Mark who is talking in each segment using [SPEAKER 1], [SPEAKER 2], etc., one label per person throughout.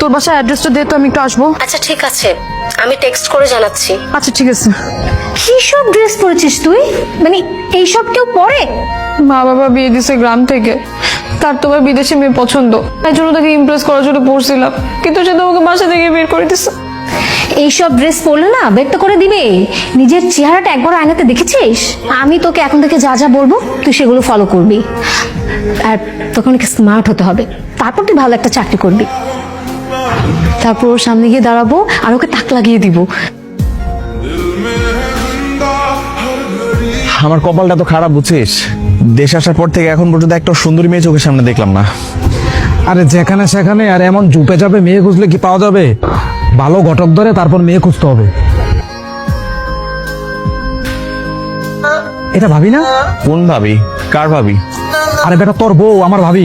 [SPEAKER 1] তোর বাসার অ্যাড্রেসটা দে তো, আমি একটু আসবো।
[SPEAKER 2] আচ্ছা ঠিক আছে, আমি টেক্সট করে জানাচ্ছি।
[SPEAKER 1] আচ্ছা ঠিক আছে।
[SPEAKER 3] কি সব ড্রেস পরেছিস তুই? মানে এইসব কেউ পরে?
[SPEAKER 1] মা বাবা বিয়ে দিছে গ্রাম থেকে, তার তোমার বিদেশি মেয়ে পছন্দ, এই জন্য তাকে ইমপ্রেস করার জন্য পড়ছিলাম, কিন্তু সে তো আমাকে বাসা থেকে বের করে দিছে।
[SPEAKER 3] এইসব ড্রেস পরলে না বের তো করে দিবে। নিজের চেহারাটা একবার আয়নাতে দেখেছিস? আমি তোকে এখন থেকে যা যা বলবো তুই সেগুলো ফলো করবি, আর তোকে অনেক স্মার্ট হতে হবে, তারপর তুই ভালো একটা চাকরি করবি। তারপর ওর সামনে গিয়ে দাঁড়াবো আর ওকে তাক লাগিয়ে দিব।
[SPEAKER 4] আমার কপালটা তো খারাপ, বুঝছিস? দেশ আসার পর থেকে এখন পর্যন্ত একটা সুন্দরী মেয়ে চোখের সামনে দেখলাম না।
[SPEAKER 5] আরে যেখানে সেখানে আর এমন জুপে যাবে মেয়ে খুঁজলে কি পাওয়া যাবে? ভালো ঘটক ধরে তারপর মেয়ে খুঁজতে হবে। এটা ভাবি না?
[SPEAKER 4] কোন ভাবি? কার ভাবি?
[SPEAKER 5] আরে বেটা তোর বউ আমার ভাবি।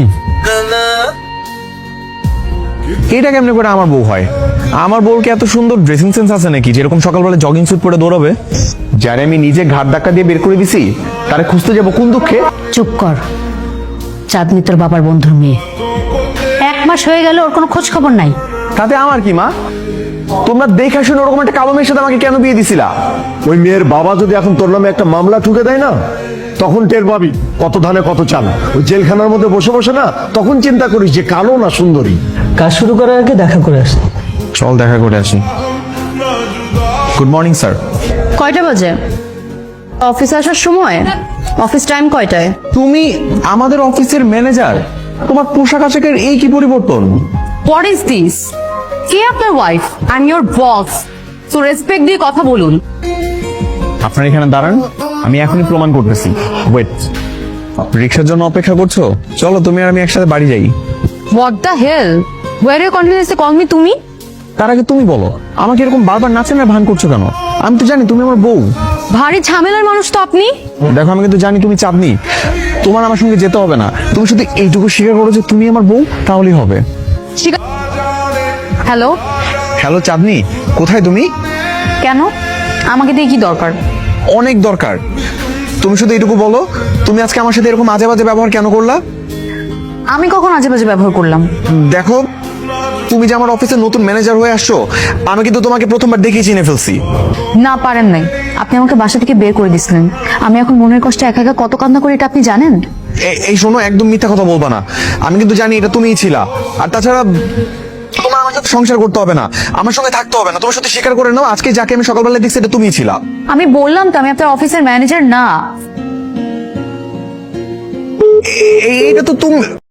[SPEAKER 4] এটা কেমনে করে আমার বউ হয়? আমার বউর কি এত সুন্দর ড্রেসিং সেন্স আছে নাকি যেরকম সকালবেলা জগিং স্যুট পরে দৌড়াবে? যারে আমি নিজে ঘাট ধাক্কা দিয়ে বের করে দিছি তারে খুঁজতে যাবো কোন দুঃখে?
[SPEAKER 3] চুপ কর, চাঁদনি তোর বাবার বন্ধুর মেয়ে, 1 মাস হয়ে গেল ওর কোনো খোঁজ খবর নাই।
[SPEAKER 4] তাতে আমার কি মা? তোমরা দেখে শুনে ওরকম একটা কালো মেয়ের সাথে আমাকে কেন বিয়ে দিছিলা?
[SPEAKER 6] ওই মেয়ের বাবা যদি এখন তোর নামে একটা মামলা ঠুকে দেয় না, তখন টের পাবি কত ধানে কত চাল। ওই জেলখানার মধ্যে বসে বসে না, তখন চিন্তা করিস যে কালো না সুন্দরী।
[SPEAKER 5] কাজ শুরু করার আগে দেখা করে আসি।
[SPEAKER 4] চল দেখা করে আসি। Good morning sir.
[SPEAKER 1] কয়টা বাজে? অফিসে আসার সময়? অফিস টাইম কয়টায়?
[SPEAKER 4] তুমি আমাদের অফিসের ম্যানেজার, তোমার পোশাক আশাকের এই কি পরিবর্তন?
[SPEAKER 1] What is this? কে আপনার wife? I am your boss, so respect দিয়ে কথা বলুন।
[SPEAKER 4] আপনার এখানে দাঁড়ান, আমি এখনই প্রমাণ করতেছি। ওয়েট, রিক্সার জন্য অপেক্ষা করছো? চলো তুমি আর আমি একসাথে বাড়ি যাই।
[SPEAKER 1] What the hell? Were you confidence call me তুমি?
[SPEAKER 4] তার আগে তুমি বলো, আমাকে এরকম বারবার নাচেন আর ভান করছো কেন? আমি তো জানি তুমি আমার বউ।
[SPEAKER 1] ভারী ঝামেলার মানুষ তো আপনি।
[SPEAKER 4] দেখো আমি কিন্তু জানি তুমি চাঁদনি, তোমার আমার সঙ্গে যেতে হবে না। তুমি শুধু এইটুকু স্বীকার করো যে তুমি আমার বউ, তাহলেই হবে।
[SPEAKER 1] হ্যালো?
[SPEAKER 4] হ্যালো চাঁদনি, কোথায় তুমি?
[SPEAKER 1] কেন? আমাকে দিয়ে কি দরকার?
[SPEAKER 4] অনেক দরকার। তুমি শুধু এইটুকু বলো, তুমি আজকে আমার সাথে এরকম আজে বাজে ব্যবহার কেন করলা?
[SPEAKER 1] আমি কখন আজে বাজে ব্যবহার করলাম?
[SPEAKER 4] দেখো, তুমি যে আমার অফিসের নতুন ম্যানেজার হয়ে আসছো, আমি কিন্তু তোমাকে প্রথমবার দেখেই চিনে ফেলছি।
[SPEAKER 1] না পারেন নাই, আপনি আমাকে বাসা থেকে বের করে দিছিলেন। আমি এখন মনের কষ্টে একা একা কত কান্না করি এটা আপনি জানেন?
[SPEAKER 4] এই শোনো, একদম মিথ্যা কথা বলবা না। আমি কিন্তু জানি এটা তুমিই ছিলা। আর তাছাড়া তোমার আমার সাথে সংসার করতে হবে না, আমার সঙ্গে থাকতে হবে না। তোমার সাথে স্বীকার করে নাও, আজকে যাকে আমি সকালবেলা দেখছি এটা তুমিই ছিলা।
[SPEAKER 1] আমি বললাম তো আমি আপনার অফিসের ম্যানেজার না।
[SPEAKER 4] এইটা তো তুমি।